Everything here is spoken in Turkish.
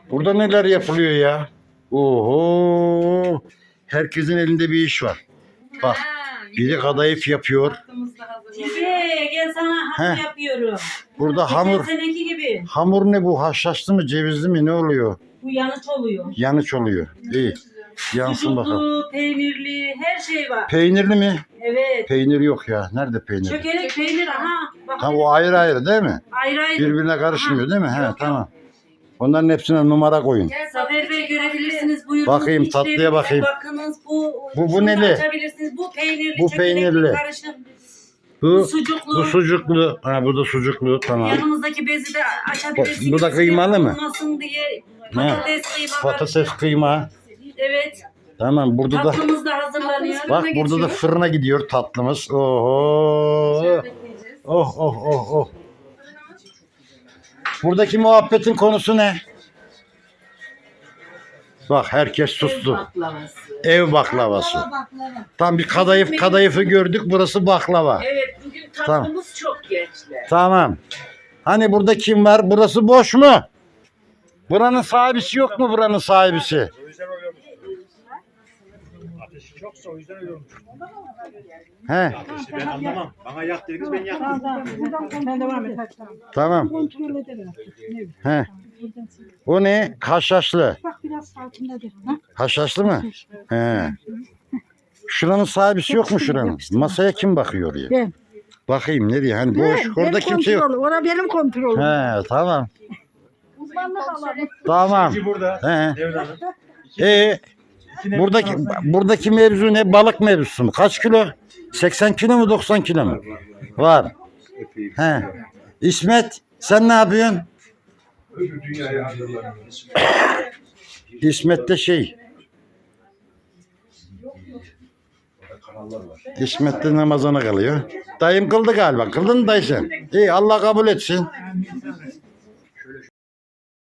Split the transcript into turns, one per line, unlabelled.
Burada neler yapılıyor ya? Oho. Herkesin elinde bir iş var. Bak. Biri kadayıf yapıyor.
Gel sana hamur yapıyorum.
Burada hamur.
Geçen seneki gibi.
Hamur ne bu? Haşhaşlı mı? Cevizli mi? Ne oluyor?
Bu yanıç oluyor.
Yanıç oluyor. İyi. Yansın bakalım.
Sucuklu, peynirli, her şey var.
Peynirli mi?
Evet.
Peynir yok ya. Nerede peynir?
Çökelek peynir aha. Bak,
Ha, o ayrı ayrı değil mi?
ayrı ayrı.
Birbirine karışmıyor değil mi? He,
Yok,
tamam. Onların hepsine numara koyun.
Zafer Bey görebilirsiniz. Buyurun.
Bakayım, tatlıya bakayım.
Bakınız bu
Bu neli?
açabilirsiniz. Bu peynirli.
Bu
çökelekli
peynirli.
karışım.
Bu
sucuklu.
Bu sucuklu. Ha, bu da sucuklu. Tamam.
Yanımızdaki bezi de açabilirsiniz.
Bu da kıymalı mı?
Olmasın diye patates kıyma var.
Patates kıyma.
Evet.
Tamam, burada da
Tatlımız da hazırlanıyor.
bak, burada da fırına gidiyor tatlımız. Oho. Oh oh oh oh. Buradaki muhabbetin konusu ne? Bak, herkes sustu. Ev baklavası. Tam bir kadayıfı gördük. Burası baklava.
Evet, bugün tatlımız çok gençler.
Tamam. Hani burada kim var? Burası boş mu? Buranın sahibisi yok mu, buranın sahibisi?
Ateşi çoksa o yüzden öyle olmuş.
He.
Ateşi ben anlamam. Bana yak dediniz, ben yaktım.
Ben devam et.
Tamam.
Kontrol ederim.
He. O ne? Haşhaşlı.
Bak biraz sakinledir. Ha?
Haşhaşlı mı? He. Şuranın sahibisi yok mu şuranın? Masaya kim bakıyor ya?
Ben.
Bakayım nereye? Hani boş. Orada kimse yok.
Orada benim kontrolüm.
He, tamam.
Uzmanlık alalım.
Tamam.
İki burada.
He.
Devre Hanım.
Buradaki mevzu ne? Balık mevzusu mu? Kaç kilo? 80 kilo mu, 90 kilo mu? Var. He. İsmet, sen ne yapıyorsun?
Öbür dünyaya hazırlanıyor.
İsmet de şey.
Kanallar var.
İsmet de namazına kalıyor. Dayım kıldı galiba. Kıldın mı dayı sen? İyi, Allah kabul etsin.